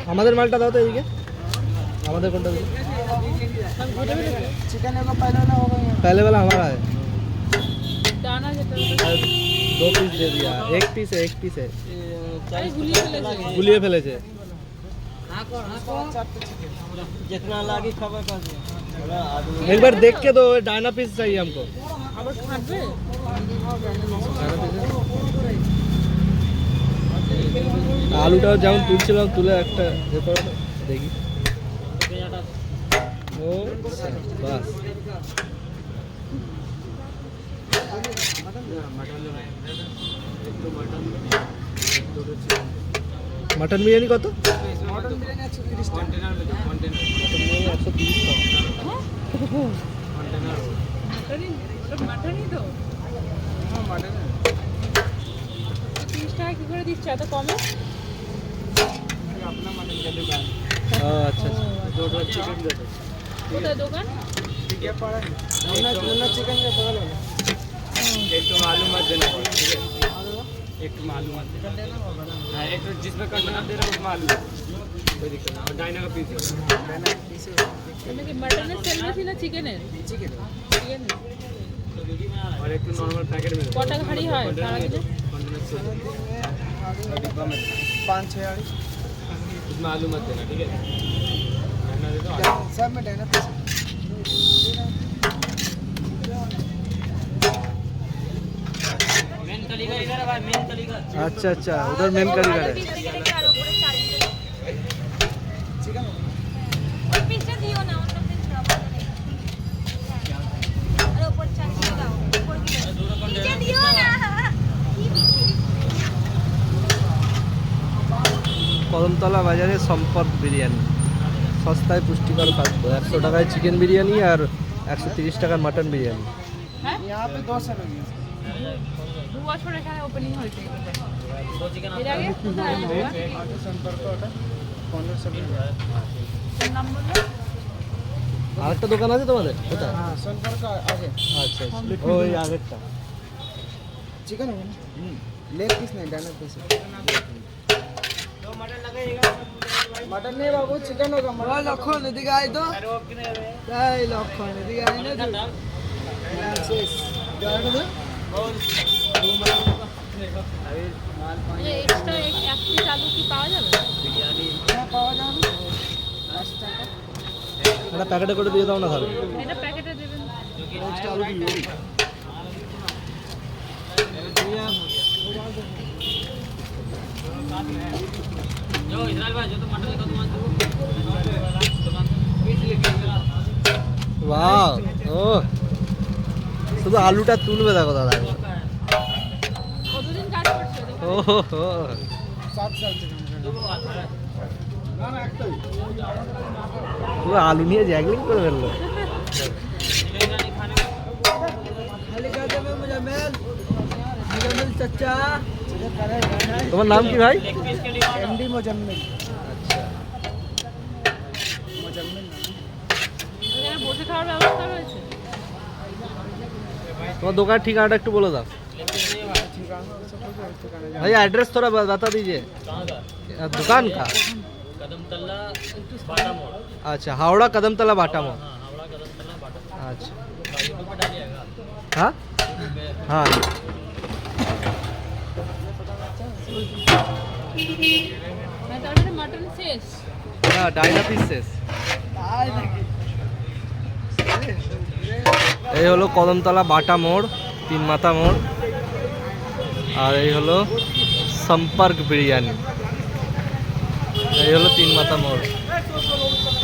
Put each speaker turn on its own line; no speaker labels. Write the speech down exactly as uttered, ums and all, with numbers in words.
আমাদের মালটা দাও তো এদিকে। আমাদের কোনটা দিকে?
चिकन का पहले वाला होगा यहाँ।
पहले वाला हमारा है।
दाना যেটা
दो पीस दे दिया। एक पीस है, एक पीस है।
আরে গুলিয়ে ফেলেছে
गुलिये ফেলেছে।
जितना लागी खबर कर दिया।
एक बार देख के दो, डायना पीस चाहिए हमको।
আবার খাবে
আলুটাও যেমন তুলছিলাম তুলে একটা এ করো তো, দেখি। ও বাস। मटन बिरयानी कत?
मटन बिरयानी একশো তিরিশ টাকা।
একশো তিরিশ টাকা।
মাটনই সব মাটনই তো
হ্যাঁ মটন
তিরিশ টাকা কি করে দিচ্ছে এত কমে
अपना मटन का दुकान।
ও আচ্ছা আচ্ছা।
दो दो चिकन दे दो।
কোথায় দোকান
ठीक है पड़ा है। मुन्ना मुन्ना चिकन के बगल में। एक तो आलू मत देना ठीक है। एक तो आलू मत देना। हां एक तो जिसमें कंटेनर दे रहा हूं उसमें आलू। कोई दिक्कत नहीं। और डायना का पीस है। डायना का पीस है।
তুমি কি মাটনের সেল বেশি না চিকেনের
चिकन।
চিকেন
और एक तो नॉर्मल पैकेट में।
ক টাকা হাড়ি হয় সারাদিনে
कंटेनर से डिब्बा में पाँच छः वाली उसमें आलू मत देना ठीक है। डायना दे दो सब में डायना पीस मेन कारीगर इधर है भाई मेन कारीगर
अच्छा अच्छा उधर मेन कारीगर है।
चिकन
কদমতলা বাজারে সম্পর্ক বিরিয়ানি, সস্তায় পুষ্টিকর খাদ্য। একশো টাকায় চিকেন বিরিয়ানি আর একশো তিরিশ টাকার মাটন বিরিয়ানি।
হ্যাঁ
यहाँ पे दो सौ लगी
দু বছর এখানে ওপেনিং হয়েছে এর আগে কোথায় দোকান?
आगे संपर्क होता पंद्रह सौ
তোর নাম বললো
আরেকটা দোকান আছে তোমাদের কোথায়?
हाँ संपर्क आगे
আচ্ছা আচ্ছা ওই আগেরটা।
चिकन होगा ना लेग पीस नहीं डायना पीस मटन नहीं बाबू चिकन होगा मटन लखन एदिके आइ तो এই লক্ষণ এদিকে আই না শেষ জায়গা দে
এক্সট্রা এক পিস আলু কি পাওয়া যাবে
হ্যাঁ পাওয়া যাবে পাঁচ টাকা
একটা প্যাকেটে করে দিয়ে দাও না তাহলে।
এটা প্যাকেটে দেবেন
जो इजराइल भाई जो तो मटन का दुकान
বাহ ও শুধু আলুটা তুলবে দেখো দাদা।
কতদিন কাজ করছো
ও হো হো।
সাত সাল চিকেন না না একটাই
পুরো আলু নিয়ে জ্যাগলিং করে ফেললো।
खाली कर दे मैं मुजम्मिल मुजम्मिल चचा
তোমার নাম কি ভাই?
एमडी मुजम्मिल
আচ্ছা
मुजम्मिल
এখানে বসে খাওয়ার ব্যবস্থা রয়েছে
তোমার দোকান ঠিকানাটা একটু বলে দাও भाई। एड्रेस थोड़ा बता दीजिए दुकान का।
कदमतल्ला बाटा मोड़
अच्छा हावड़ा कदमतला बाटा मोड़।
हाँ हावड़ा कदमतल्ला बाटा मोड़
अच्छा
यूट्यूब पे डालिएगा
हाँ हाँ
মানে তার মানে মাটন শেষ
हाँ डायना पिस शेष। এই হলো কদমতলা বাটা মোড়, তিন মাথা মোড়। আর এই হলো সম্পর্ক বিরিয়ানি, এই হলো তিন মাথা মোড়।